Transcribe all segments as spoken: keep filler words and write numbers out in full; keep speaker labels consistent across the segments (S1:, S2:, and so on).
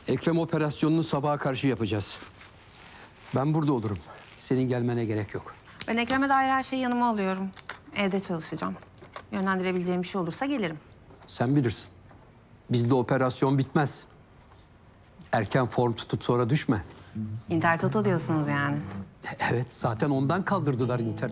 S1: Ekrem operasyonunu sabaha karşı yapacağız. Ben burada olurum. Senin gelmene gerek yok.
S2: Ben Ekrem'e dair her şeyi yanıma alıyorum. Evde çalışacağım. Yönlendirebileceğim bir şey olursa gelirim.
S1: Sen bilirsin. Bizde operasyon bitmez. Erken form tutup sonra düşme.
S2: Inter Toto diyorsunuz yani.
S1: Evet, zaten ondan kaldırdılar Inter.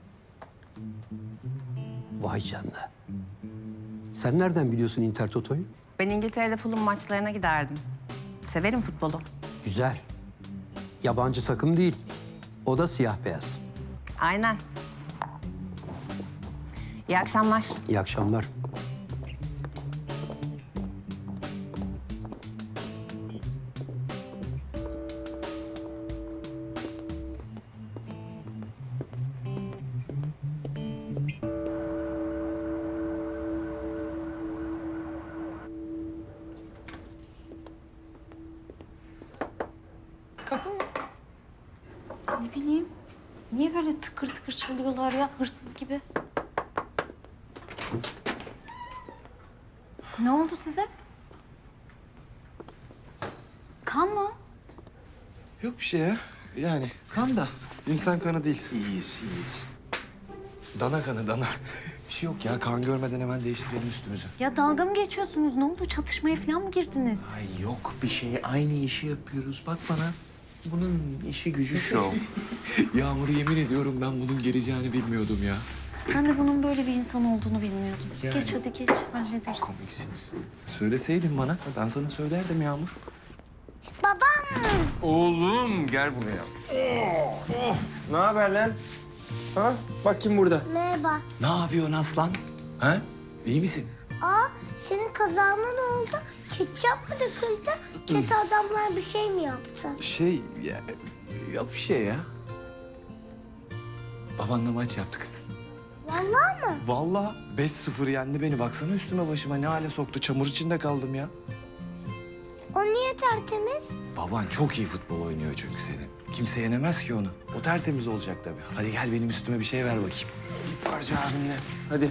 S1: Vay canına. Sen nereden biliyorsun Inter Toto'yu?
S2: Ben İngiltere'de Fulham maçlarına giderdim. Severim futbolu.
S1: Güzel. Yabancı takım değil. O da siyah beyaz.
S2: Aynen. İyi akşamlar.
S1: İyi akşamlar.
S3: Kapı mı? Ne bileyim. Niye böyle tıkır tıkır çalıyorlar ya hırsız gibi? Ne oldu size? Kan mı?
S4: Yok bir şey ya. Yani kan da insan kanı değil. İyiyiz, iyiyiz. Dana kanı, dana. Bir şey yok ya. Kan görmeden hemen değiştirelim üstümüzü.
S3: Ya dalga mı geçiyorsunuz? Ne oldu? Çatışmaya falan mı girdiniz?
S5: Ay yok bir şey. Aynı işi yapıyoruz. Bak bana. Bunun işi gücü şov. Yağmur yemin ediyorum ben bunun geleceğini bilmiyordum ya.
S3: Ben de bunun böyle bir insan olduğunu bilmiyordum.
S5: Yani.
S3: Geç hadi geç. Hallederiz.
S5: Komiksiniz.
S4: Söyleseydin bana. Ben sana söylerdim Yağmur.
S5: Oğlum gel buraya. Oh, oh. Ne haber lan? Ha? Bak kim burada?
S6: Merhaba.
S4: Ne yapıyorsun aslan? Ha? İyi misin?
S6: Aa, senin kazağına ne oldu? Ketçap mı döküldü? Kötü adamlar bir şey mi yaptı?
S4: Şey, ya,
S5: Yok bir şey ya.
S4: babanla maç yaptık.
S6: Vallahi mı?
S4: Vallahi beş sıfır yendi beni. Baksana üstüme başıma ne hale soktu. Çamur içinde kaldım ya.
S6: O niye tertemiz?
S4: Baban çok iyi futbol oynuyor çünkü seni. Kimse yenemez ki onu. O tertemiz olacak tabii. Hadi gel benim üstüme bir şey ver bakayım.
S5: Bir parça abinle. Hadi.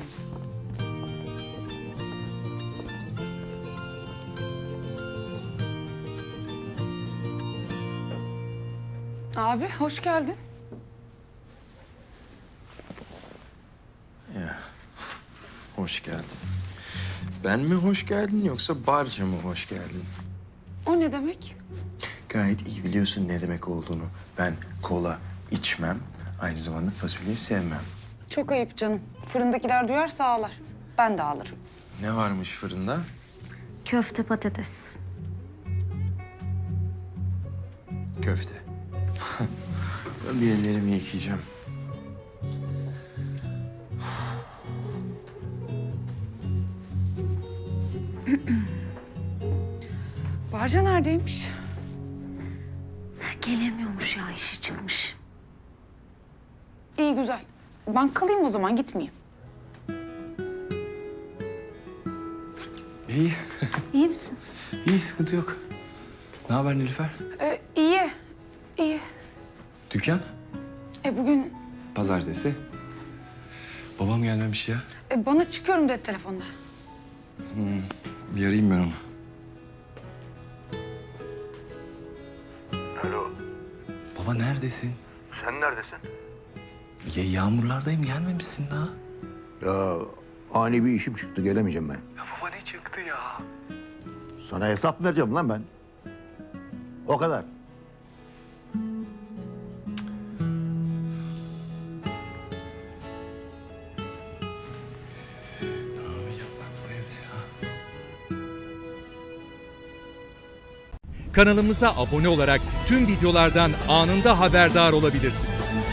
S7: Abi hoş geldin.
S5: Ya. Hoş geldin. Ben mi hoş geldin yoksa barca mı hoş geldin?
S7: O ne demek?
S5: Gayet iyi biliyorsun ne demek olduğunu. Ben kola içmem, aynı zamanda fasulye sevmem.
S7: Çok ayıp canım. Fırındakiler duyarsa ağlar. Ben de ağlarım.
S5: Ne varmış fırında?
S3: Köfte patates.
S5: Köfte. Ben bir ellerimi yıkayacağım.
S7: Barca neredeymiş?
S3: Gelemiyormuş ya işi çıkmış.
S7: İyi güzel. Ben kalayım o zaman gitmeyeyim.
S4: İyi.
S3: İyi misin?
S4: İyi, sıkıntı yok. Ne haber Nilüfer?
S7: Ee, iyi. İyi.
S4: Dükkan?
S7: E bugün
S4: Pazartesi. Babam gelmemiş ya.
S7: e, bana çıkıyorum dedi telefonda.
S4: Bir arayayım ben onu.
S8: Alo,
S4: Baba neredesin?
S8: sen neredesin?
S4: Ya yağmurlardayım, gelmemişsin daha.
S8: Ya ani bir işim çıktı, gelemeyeceğim ben.
S5: Ya baba ne çıktı ya?
S8: Sana hesap vereceğim lan ben. O kadar.
S4: Ne yapacağım ben bu evde ya?
S9: Kanalımıza abone olarak tüm videolardan anında haberdar olabilirsiniz.